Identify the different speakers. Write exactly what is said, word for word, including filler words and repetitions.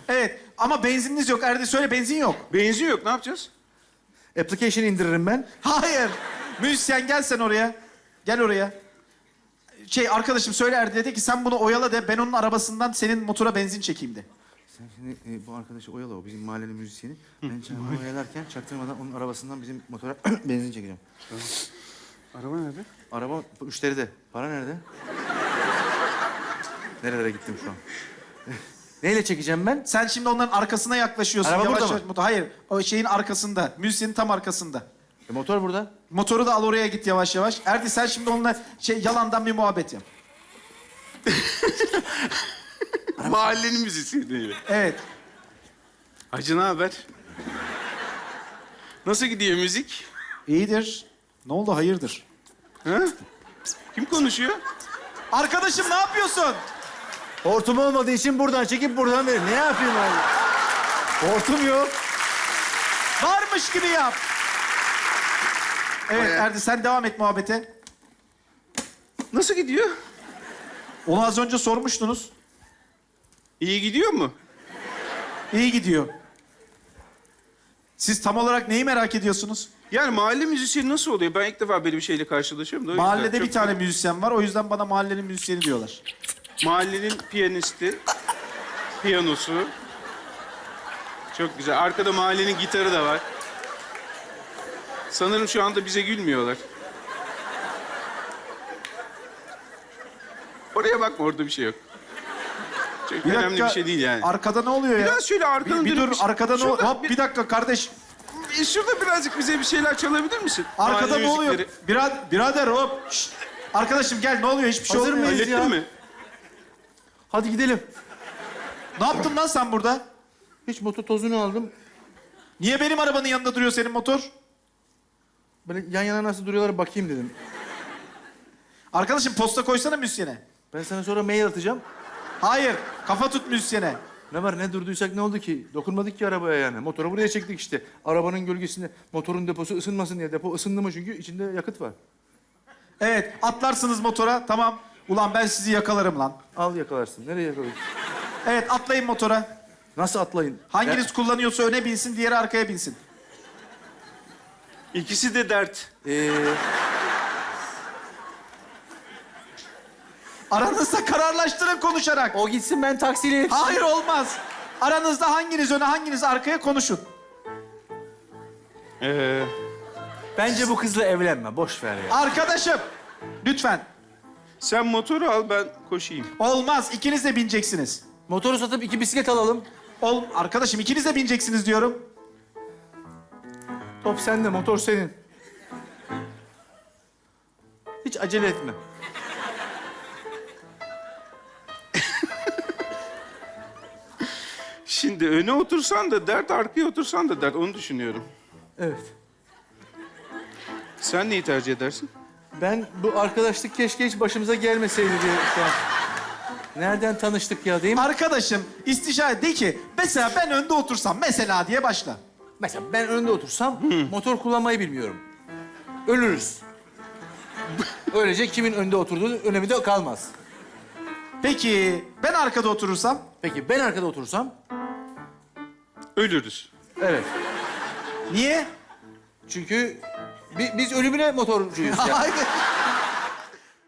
Speaker 1: Evet ama benzininiz yok. Erdi söyle benzin yok.
Speaker 2: Benzin yok, ne yapacağız?
Speaker 3: Application indiririm ben.
Speaker 1: Hayır. Müzisyen gel sen oraya. Gel oraya. Şey arkadaşım söyle Erdi dedi ki sen bunu oyala de ben onun arabasından senin motora benzin çekeyim de.
Speaker 3: Sen şimdi e, bu arkadaşı oyala, o bizim mahallenin müzisyeni. Ben çayımı oyalarken çaktırmadan onun arabasından bizim motora benzin çekeceğim.
Speaker 2: Araba nerede?
Speaker 3: Araba müşteride. Para nerede? Nerelere gittim şu an? Neyle çekeceğim ben?
Speaker 1: Sen şimdi onların arkasına yaklaşıyorsun.
Speaker 3: Araba
Speaker 1: yavaş
Speaker 3: burada
Speaker 1: yavaş.
Speaker 3: mı?
Speaker 1: Motor. Hayır o şeyin arkasında. Müzisyenin tam arkasında.
Speaker 3: E, motor burada.
Speaker 1: Motoru da al oraya git yavaş yavaş. Erdi sen şimdi onunla şey yalandan bir muhabbet yap.
Speaker 2: Mahallenin müzisyeni.
Speaker 1: Evet.
Speaker 2: Hacı ne haber? Nasıl gidiyor müzik?
Speaker 1: İyidir. Ne oldu hayırdır?
Speaker 2: Ha? Kim konuşuyor?
Speaker 1: Arkadaşım ne yapıyorsun?
Speaker 3: Hortum olmadığı için buradan çekip buradan verir. Ne yapayım abi? Hortum yok.
Speaker 1: Varmış gibi yap. Evet
Speaker 2: Bayağı.
Speaker 1: Erdi sen devam et muhabbete.
Speaker 2: Nasıl gidiyor?
Speaker 1: Onu az önce sormuştunuz.
Speaker 2: İyi gidiyor mu?
Speaker 1: İyi gidiyor. Siz tam olarak neyi merak ediyorsunuz?
Speaker 2: Yani mahalle müzisyeni nasıl oluyor? Ben ilk defa böyle bir şeyle karşılaşıyorum da. o yüzden
Speaker 1: Mahallede
Speaker 2: çok-
Speaker 1: bir tane müzisyen var. O yüzden bana mahallenin müzisyeni diyorlar.
Speaker 2: Mahallenin piyanisti, piyanosu. Çok güzel. Arkada mahallenin gitarı da var. Sanırım şu anda bize gülmüyorlar. Oraya bakma, orada bir şey yok. Çok önemli bir şey değil yani.
Speaker 1: Arkada ne oluyor ya?
Speaker 2: Biraz şöyle arkanı
Speaker 1: Bir, bir
Speaker 2: dönüp
Speaker 1: dur
Speaker 2: bir şey-
Speaker 1: arkada ne oluyor?
Speaker 2: Şurada
Speaker 1: Hop bir dakika kardeş.
Speaker 2: bir- Şurada birazcık bize bir şeyler çalabilir misin?
Speaker 1: Arkada
Speaker 2: Mahalle
Speaker 1: ne oluyor?
Speaker 2: müzikleri.
Speaker 1: Birader, birader hop. Şşt. Arkadaşım gel ne oluyor? Hiçbir şey
Speaker 3: Hazır
Speaker 1: olmuyor.
Speaker 3: mıyız?
Speaker 2: Hallettin
Speaker 3: ya.
Speaker 2: mi?
Speaker 3: Hadi gidelim.
Speaker 1: Ne yaptın lan sen burada?
Speaker 3: Hiç motor tozunu aldım.
Speaker 1: Niye benim arabanın yanında duruyor senin motor?
Speaker 3: Böyle yan yana nasıl duruyorlar bakayım dedim.
Speaker 1: Arkadaşım posta koysana müzisyene.
Speaker 3: Ben sana sonra mail atacağım.
Speaker 1: Hayır, kafa tut müzisyene.
Speaker 3: Ne var ne durduysak ne oldu ki? Dokunmadık ki arabaya yani. Motoru buraya çektik işte. Arabanın gölgesinde motorun deposu ısınmasın diye. Depo ısındı mı çünkü içinde yakıt var.
Speaker 1: Evet, atlarsınız motora. Tamam. Ulan ben sizi yakalarım lan.
Speaker 3: Al yakalarsın. Nereye yakalarsın?
Speaker 1: Evet, atlayın motora.
Speaker 3: Nasıl atlayın?
Speaker 1: Hanginiz kullanıyorsa öne binsin, diğeri arkaya binsin.
Speaker 2: İkisi de dert.
Speaker 3: Ee,
Speaker 1: Aranızda kararlaştırın konuşarak.
Speaker 3: o gitsin ben taksiyle yetişeyim.
Speaker 1: Hayır olmaz. Aranızda hanginiz öne, hanginiz arkaya konuşun.
Speaker 2: Ee,
Speaker 3: Bence bu kızla evlenme. Boş ver ya.
Speaker 1: Arkadaşım, lütfen.
Speaker 2: sen motoru al, ben koşayım.
Speaker 1: Olmaz, ikiniz de bineceksiniz.
Speaker 3: Motoru satıp iki bisiklet alalım.
Speaker 1: Ol, arkadaşım ikiniz de bineceksiniz diyorum.
Speaker 3: Top sende, motor senin. Hiç acele etme.
Speaker 2: Şimdi öne otursan da dert, arkaya otursan da dert. Onu düşünüyorum.
Speaker 3: Evet.
Speaker 2: Sen neyi tercih edersin?
Speaker 3: Ben bu arkadaşlık keşke hiç başımıza gelmeseydi diye şu an. Nereden tanıştık ya değil mi?
Speaker 1: Arkadaşım istişare de ki mesela ben önde otursam mesela diye başla.
Speaker 3: Mesela ben önde otursam motor kullanmayı bilmiyorum. Ölürüz. Öylece kimin önde oturduğu önemi de kalmaz.
Speaker 1: Peki ben arkada oturursam?
Speaker 3: Peki ben arkada otursam?
Speaker 2: Ölürüz.
Speaker 3: Evet.
Speaker 1: Niye?
Speaker 3: Çünkü bi- biz ölümüne motorcuyuz ya.
Speaker 1: Hayır.